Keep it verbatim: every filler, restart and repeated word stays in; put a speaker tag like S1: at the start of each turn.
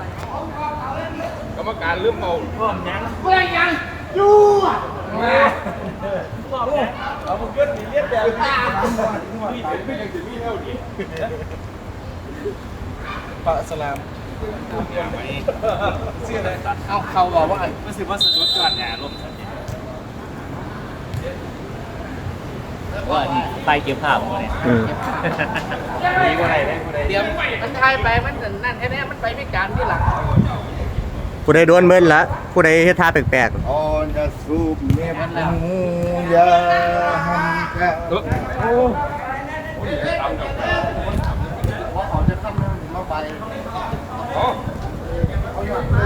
S1: กรรมการลืมเอาพร้อมยัง
S2: เพื่อนยังยู่มา
S1: พร้อมยังเอาบุกเกิลมีเลียดแบบนี้มีถึงไม่ยังถึงมีเท่าดีปะสลามเสื้ออะไรเอาเขาบอกว่ารู้สึกว่าสะดุดก่อนเนี่ยลมสักที
S3: ว่าใต้เก็บภาพมาเนี่ย
S1: ดีกว่าไหนได้กว่าไหน
S2: เตรียมมันทายไปมันนั่นแค่นี้มันไปพิการที่หลัง
S4: ผู้ใดโดนเบิ้ลละผู้ใดเฮ็ดท่าแปลก
S1: ออนจะสูบเมียมันหูยาหันกะโอ้
S2: ว่าเขาจะทำมาไป